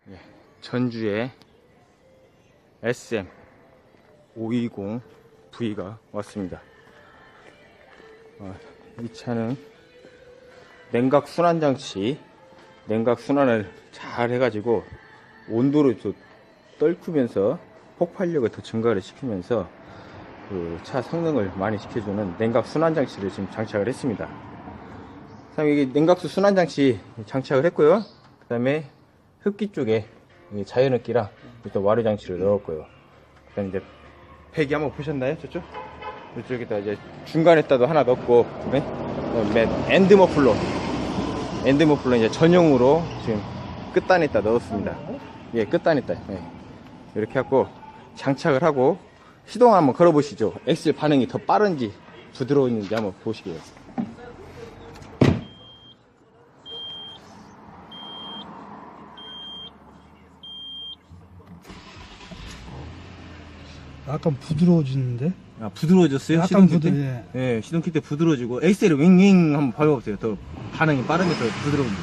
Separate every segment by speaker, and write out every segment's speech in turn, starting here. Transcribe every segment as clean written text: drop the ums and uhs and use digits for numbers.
Speaker 1: 예, 전주에 SM 520V가 왔습니다. 이 차는 냉각 순환장치, 냉각 순환을 잘 해가지고 온도를 좀 떨구면서 폭발력을 더 증가를 시키면서 그 차 성능을 많이 시켜주는 냉각 순환장치를 지금 장착을 했습니다. 그 다음에 이게 냉각수 순환장치 장착을 했고요. 그 다음에 흡기 쪽에 자연흡기랑 또 와류장치를 넣었고요. 그 다음에 이제 배기 한번 보셨나요? 저쪽? 이쪽에다 이제 중간에다도 하나 넣었고, 네? 엔드머플러 이제 전용으로 지금 끝단에다 넣었습니다. 예, 끝단에다. 예. 이렇게 하고 장착을 하고 시동 한번 걸어 보시죠. 엑셀 반응이 더 빠른지 부드러운지 한번 보시게요.
Speaker 2: 약간 부드러워지는데?
Speaker 1: 아, 부드러워졌어요?
Speaker 2: 약간
Speaker 1: 시동 킬 때? 예, 시동 킬 때 부드러워지고 엑셀을 윙윙 한번 밟아보세요. 더 반응이 빠르게 더 부드러운지.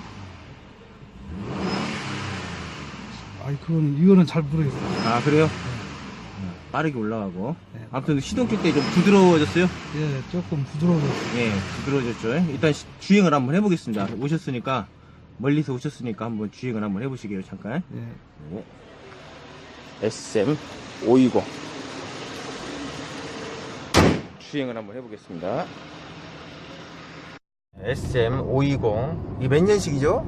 Speaker 2: 아이, 이거는 잘 모르겠어요.
Speaker 1: 아, 그래요? 빠르게 올라가고.
Speaker 2: 네.
Speaker 1: 아무튼 시동 킬 때 좀 부드러워졌어요?
Speaker 2: 예, 조금 부드러워졌어요.
Speaker 1: 예, 부드러워졌죠. 일단 주행을 한번 해보겠습니다. 멀리서 오셨으니까 한번 주행을 한번 해보시게요, 잠깐.
Speaker 2: 예.
Speaker 1: 네. SM 520 주행을 한번 해보겠습니다. SM 520 이게 몇 년식이죠?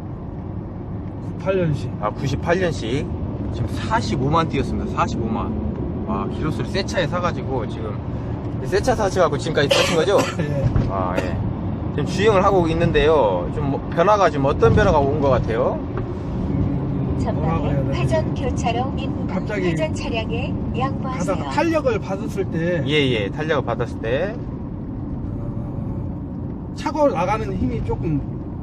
Speaker 2: 98년식.
Speaker 1: 아, 98년식. 지금 45만 뛰었습니다. 45만. 와, 기로수를 새 차에 사가지고 지금 새 차 사셔가지고 지금까지 타신 거죠?
Speaker 2: 예.
Speaker 1: 아, 예. 지금 주행을 하고 있는데요. 좀 변화가 지금 어떤 변화가 온 것 같아요?
Speaker 2: 뭐라고 해야
Speaker 3: 전방에
Speaker 2: 되지?
Speaker 3: 회전 교차로입니다.
Speaker 2: 갑자기
Speaker 3: 회전 차량에 양보하세요.
Speaker 2: 가다가 탄력을 받았을 때
Speaker 1: 예, 탄력을 받았을 때.
Speaker 2: 차고 나가는 힘이 조금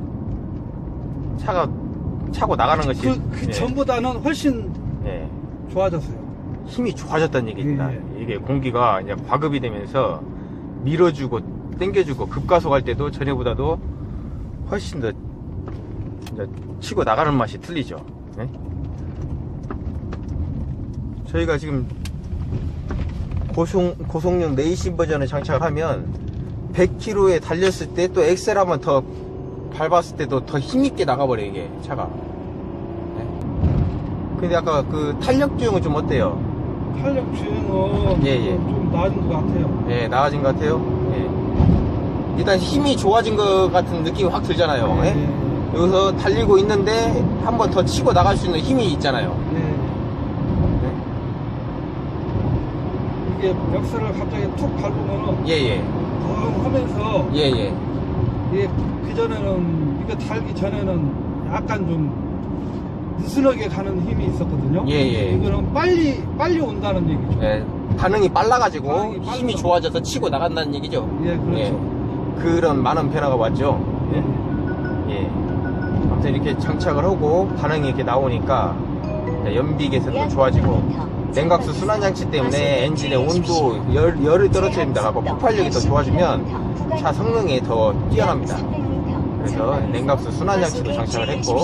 Speaker 1: 차고 나가는 것이.
Speaker 2: 그
Speaker 1: 예,
Speaker 2: 전보다는 훨씬
Speaker 1: 예.
Speaker 2: 좋아졌어요.
Speaker 1: 힘이 좋아졌다는 얘기입니다.
Speaker 2: 예.
Speaker 1: 이게 공기가 이제 과급이 되면서 밀어주고 당겨주고 급가속할 때도 전에보다도 훨씬 더 이제 치고 나가는 맛이 틀리죠. 예? 저희가 지금 고속력 레이싱 버전을 장착을 하면 100km에 달렸을 때 또 엑셀 한번 더 밟았을 때도 더 힘있게 나가버려요, 이게 차가. 예? 근데 아까 그 탄력 주행은 좀 어때요?
Speaker 2: 탄력 주행은
Speaker 1: 예.
Speaker 2: 좀 나아진 것 같아요.
Speaker 1: 예, 나아진 것 같아요. 예. 일단 힘이 좋아진 것 같은 느낌이 확 들잖아요. 예?
Speaker 2: 예.
Speaker 1: 여기서 달리고 있는데 한 번 더 치고 나갈 수 있는 힘이 있잖아요.
Speaker 2: 예. 이게 멱살을 갑자기 툭 밟으면은
Speaker 1: 예.
Speaker 2: 뻥 하면서
Speaker 1: 예.
Speaker 2: 이게 그전에는 이거 달기 전에는 약간 좀 느슨하게 가는 힘이 있었거든요.
Speaker 1: 예.
Speaker 2: 이거는 빨리 온다는 얘기죠.
Speaker 1: 예. 반응이 빨라가지고
Speaker 2: 반응이 빨라서.
Speaker 1: 힘이 좋아져서 치고 나간다는 얘기죠.
Speaker 2: 예, 그렇죠.
Speaker 1: 그런 많은 변화가 왔죠. 예. 아무튼 이렇게 장착을 하고 반응이 이렇게 나오니까 연비계에서도 좋아지고 냉각수 순환장치 때문에 엔진의 온도, 열을 떨어뜨립니다. 갖고 폭발력이 더 좋아지면 차 성능이 더 뛰어납니다. 그래서 냉각수 순환장치도 장착을 했고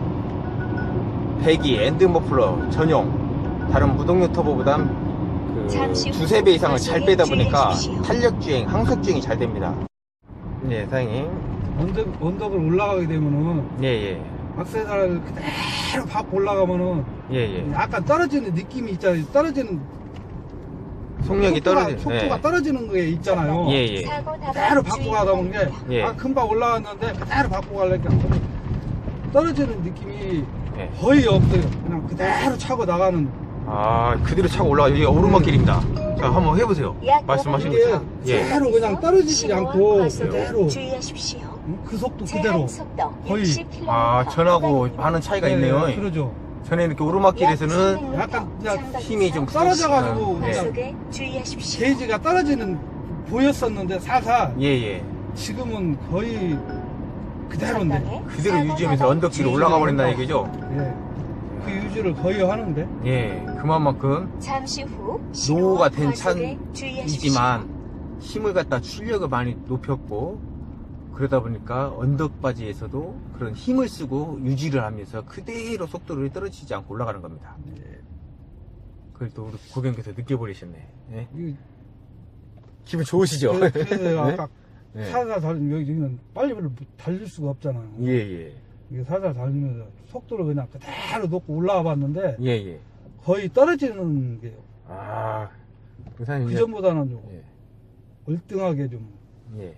Speaker 1: 배기, 엔드머플러 전용, 다른 무동력 터보보다 두세 배 이상을 잘 빼다 보니까 탄력주행, 항속주행이 잘 됩니다. 네, 사장님.
Speaker 2: 언덕을 올라가게 되면은
Speaker 1: 예.
Speaker 2: 악세사를 그대로 밟고 올라가면은
Speaker 1: 예.
Speaker 2: 약간 떨어지는 느낌이 있잖아요. 떨어지는
Speaker 1: 속력이 떨어지는.
Speaker 2: 속도가 떨어지는 게 있잖아요.
Speaker 1: 예.
Speaker 2: 그대로 밟고 가다 보는 게
Speaker 1: 예.
Speaker 2: 금방 올라왔는데 그대로 밟고 가려니까 떨어지는 느낌이
Speaker 1: 예.
Speaker 2: 거의 없어요. 그냥 그대로 차고 나가는.
Speaker 1: 아, 그대로 차고 올라가요. 이게 오르막길입니다. 자, 한번 해보세요. 말씀하신
Speaker 2: 이게
Speaker 1: 것처럼. 예.
Speaker 2: 그대로 그냥 떨어지지 않고
Speaker 3: 과속
Speaker 2: 그대로
Speaker 3: 주의하십시오.
Speaker 2: 그 속도 그대로. 거의.
Speaker 1: 아, 전하고 많은 차이가 있네요.
Speaker 2: 그러죠.
Speaker 1: 전에 이렇게 오르막길에서는
Speaker 2: 약간 그냥
Speaker 1: 힘이 좀
Speaker 2: 떨어져가지고
Speaker 1: 예.
Speaker 2: 그냥
Speaker 3: 주의하십시오.
Speaker 2: 게이지가 떨어지는 보였었는데 살살
Speaker 1: 예.
Speaker 2: 지금은 거의 그대로인데.
Speaker 1: 그대로 유지하면서 언덕길로 올라가 버린다는 얘기죠.
Speaker 2: 예. 그 유지를 거의 하는데.
Speaker 1: 예. 그만큼
Speaker 3: 잠시 후
Speaker 1: 노후가 된
Speaker 3: 과속에 주의하십시오.
Speaker 1: 차이지만 힘을 갖다 출력을 많이 높였고 그러다 보니까 언덕바지에서도 그런 힘을 쓰고 유지를 하면서 그대로 속도를 떨어지지 않고 올라가는 겁니다.
Speaker 2: 예.
Speaker 1: 그걸 또 우리 고객님께서 느껴버리셨네. 예?
Speaker 2: 이-
Speaker 1: 기분 좋으시죠?
Speaker 2: 그래서
Speaker 1: 네?
Speaker 2: 아까
Speaker 1: 네.
Speaker 2: 살살 달리면 여기는 빨리 달릴 수가 없잖아요.
Speaker 1: 예, 예.
Speaker 2: 이게 살살 달리면서 속도를 그냥 그대로 놓고 올라와 봤는데
Speaker 1: 예, 예.
Speaker 2: 거의 떨어지는 게요.
Speaker 1: 아, 우선
Speaker 2: 그 전보다는 좀
Speaker 1: 예,
Speaker 2: 월등하게 좀
Speaker 1: 예.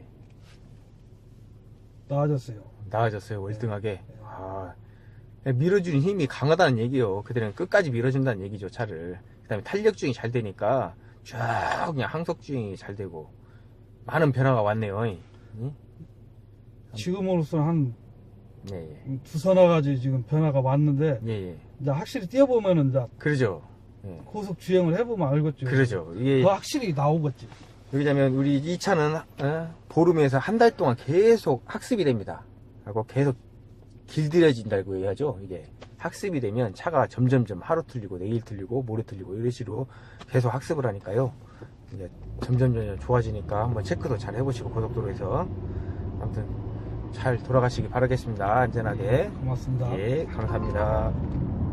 Speaker 2: 나아졌어요.
Speaker 1: 나아졌어요, 월등하게.
Speaker 2: 네.
Speaker 1: 아, 밀어주는 힘이 강하다는 얘기요. 그들은 끝까지 밀어준다는 얘기죠, 차를. 그 다음에 탄력주행이 잘 되니까 쫙 그냥 항속주행이 잘 되고 많은 변화가 왔네요. 예?
Speaker 2: 지금으로서는 한
Speaker 1: 예, 예.
Speaker 2: 두서너 가지 지금 변화가 왔는데
Speaker 1: 예, 예.
Speaker 2: 이제 확실히 뛰어보면은 이제
Speaker 1: 그러죠. 예.
Speaker 2: 고속 주행을 해보면 알겠죠.
Speaker 1: 그러죠. 이게
Speaker 2: 더 확실히 나오겠지.
Speaker 1: 왜냐면 우리 이 차는 보름에서 한 달 동안 계속 학습이 됩니다. 하고 계속 길들여진다고 해야죠. 이게 학습이 되면 차가 점점점 하루 틀리고 내일 틀리고 모레 틀리고 이런 식으로 계속 학습을 하니까요. 이제 점점 좋아지니까 한번 체크도 잘 해보시고 고속도로에서 아무튼 잘 돌아가시기 바라겠습니다. 안전하게.
Speaker 2: 고맙습니다.
Speaker 1: 예, 감사합니다.